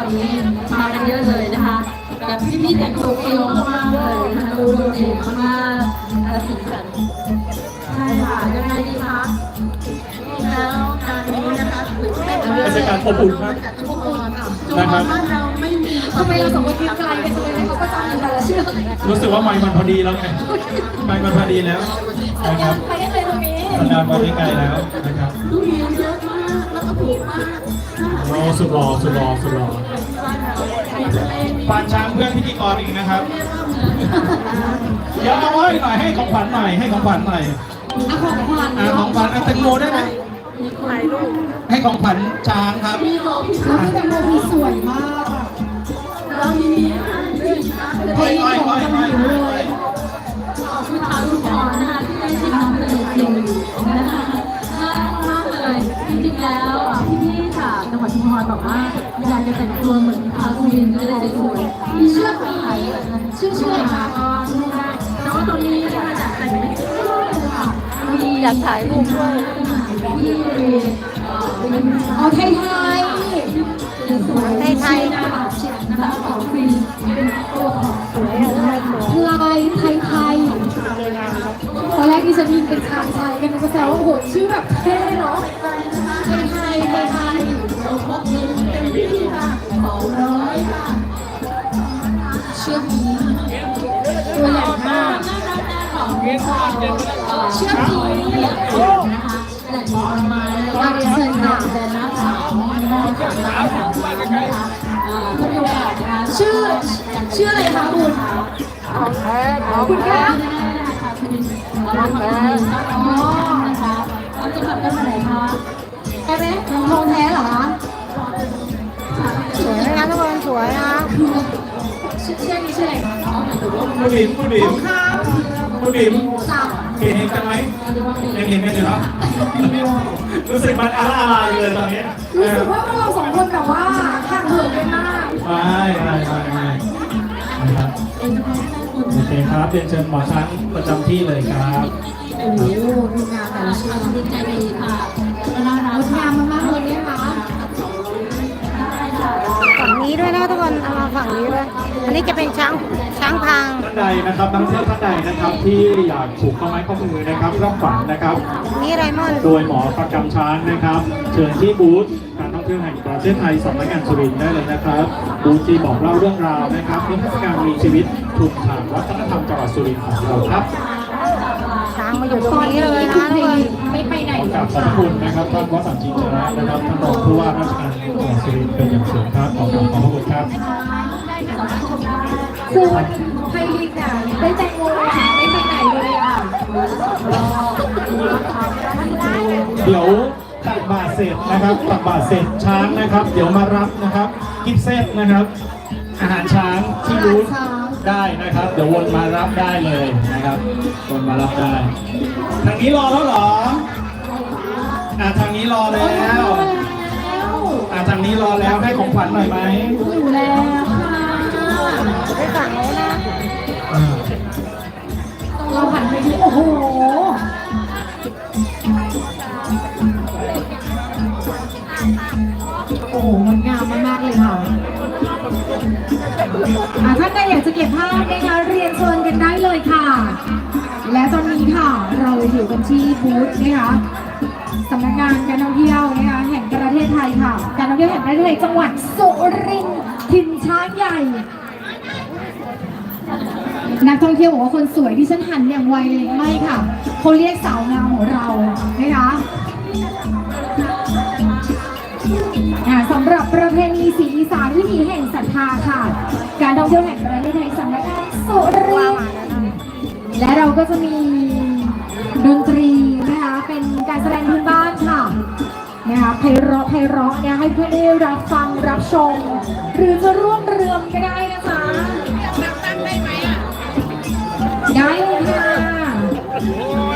นี้มากันเยอะเลยนะคะแบบพี่ๆแต่งตัวเอวมากเลยนะคะดูโดดเด่นมากสีสันใช่ค่ะยังไงดีคะแล้วการนี้นะคะบรรยากาศอบอุ่นมากนะครับเราไม่มีทำไมเราสองคนทิ้งไกลกันจังเลยเขาก็จำแต่ละชื่อรู้สึกว่าไมค์มันพอดีแล้วไงไมค์มันพอดีแล้วนะครับไปได้เลยตรงนี้สัญญาณไปได้ไกลแล้วนะครับลูกเรียนเยอะมากแล้วก็ถูกมากโอ้สุดหล่อสุดหล่อสุดหล่อปานช้างเพื่อนพิธีกรอีกนะครับเดี๋ยวเอาไว้หน่อยให้ของขวัญหน่อยให้ของขวัญหน่อยของขวัญของขวัญแตงโมได้ไหมให้ของขวัญช้างครับแล้วแตงโมมีสวยมากเรามีเพลงของกันอยู่เลยขอบคุณทางทุกคนนะคะที่ได้ชิมน้ำเลยจริงนะคะมากเลยจริงๆแล้วพี่ๆค่ะจังหวัดชุมพรบอกว่าอยากจะแต่งตัวเหมือนพาสุรินทร์จะได้สวยมีเชือกมีชื่อค่ะแล้วก็ตรงนี้นะคะจากแต่งเป็นเชือกค่ะอยากถ่ายรูปด้วยเอาไทยไทยนะคะของฟินเป็นตัวของสวยลายไทยตอนแรกที่ฉันยินเป็นชายกันก็แซวว่าโอ้โหชื่อแบบเท่เนาะไทยเราพกเงินเต็มที่ค่ะ200ค่ะเชือกนี้ตัวใหญ่มากเชือกนี้นะคะแหล่งออกมาแล้วก็เชิญค่ะแต่หน้าขาวนะคะชื่ออะไรคะคุณคุณคะอ๋อนะคะจะขับได้มาไหนคะไปไหมทองแท้เหรอคะสวยนะทุกคนสวยนะชื่อนี้ชื่ออะไรคะคุณบิ๋มคุณบิ๋มเห็นกันไหมเห็นกันอยู่เนาะรู้สึกมันอะไรเลยตอนนี้รู้สึกว่าเราสองคนแบบว่าห่างเหินกันมากไม่นะครับโอเคครับเรียนเชิญหมอช้างประจำที่เลยครับโอ้โหดูงานแต่ละชิ้นดีใจดีค่ะน่ารักงามมากเลยนะคะฝั่งนี้ด้วยนะทุกคนเอามาฝั่งนี้ด้วยอันนี้จะเป็นช้างพางท่านใดนะครับนักท่องเที่ยวท่านใดนะครับที่อยากผูกข้อไม้ข้อมือนะครับร่องฝันนะครับนี่ไรมอนโดยหมอประจำช้างนะครับเชิญที่บูธการท่องเที่ยวแห่งประเทศไทยสำนักงานสุรินทร์ได้เลยนะครับบูธที่บอกเล่าเรื่องราวนะครับนิทรรศการมีชีวิตถูกฐานวัฒนธรรมจังหวัดสุรินทร์ของเราครับช้างมาอยู่ตรงนี้เลยนะทุกคนไม่ไปไหนขอบคุณนะครับท่านวัดสัมจีจระนะครับท่านรองผู้ว่าราชการจังหวัดสุรินทร์เป็นอย่างสูงครับขอบคุณครับคือไทยลีกเนี่ยได้แตงโมค่ะไม่ไปไหนเลยอ่ะเดี๋ยวตักบาตรเสร็จนะครับตักบาตรเสร็จช้างนะครับเดี๋ยวมารับนะครับกิฟต์เซตนะครับอาหารช้างที่บูธได้นะครับเดี๋ยววนมารับได้เลยนะครับวนมารับได้ทางนี้รอแล้วเหรอทางนี้รอแล้วทางนี้รอแล้วให้ของขวัญหน่อยไหมอยู่แล้วค่ะไปฝั่งโน้นนะเราหันไปที่โอ้โหมันงามมากๆเลยค่ะท่านใดอยากจะเก็บภาพนะคะเรียนเชิญกันได้เลยค่ะและตอนนี้ค่ะเราอยู่กันที่บูธนะคะสำนักงานการท่องเที่ยวนะคะแห่งประเทศไทยค่ะการท่องเที่ยวแห่งประเทศไทยจังหวัดสุรินทร์ถิ่นช้างใหญ่นักท่องเที่ยวบอกว่าคนสวยที่ฉันหันอย่างไวเลยไม่ค่ะเขาเรียกสาวงามของเรานะคะสำหรับประเพณีสีอีสานวิถีแห่งศรัทธาค่ะการท่องเที่ยวแห่งประเทศไทยสำนักงานสุรินทร์และเราก็จะมีดนตรีนะคะเป็นการแสดงพื้นบ้านค่ะนะคะไพเราะเนี่ยให้เพื่อนได้รับฟังรับชมหรือจะร่วมเรือก็ได้นะคะได้เลยค่ะ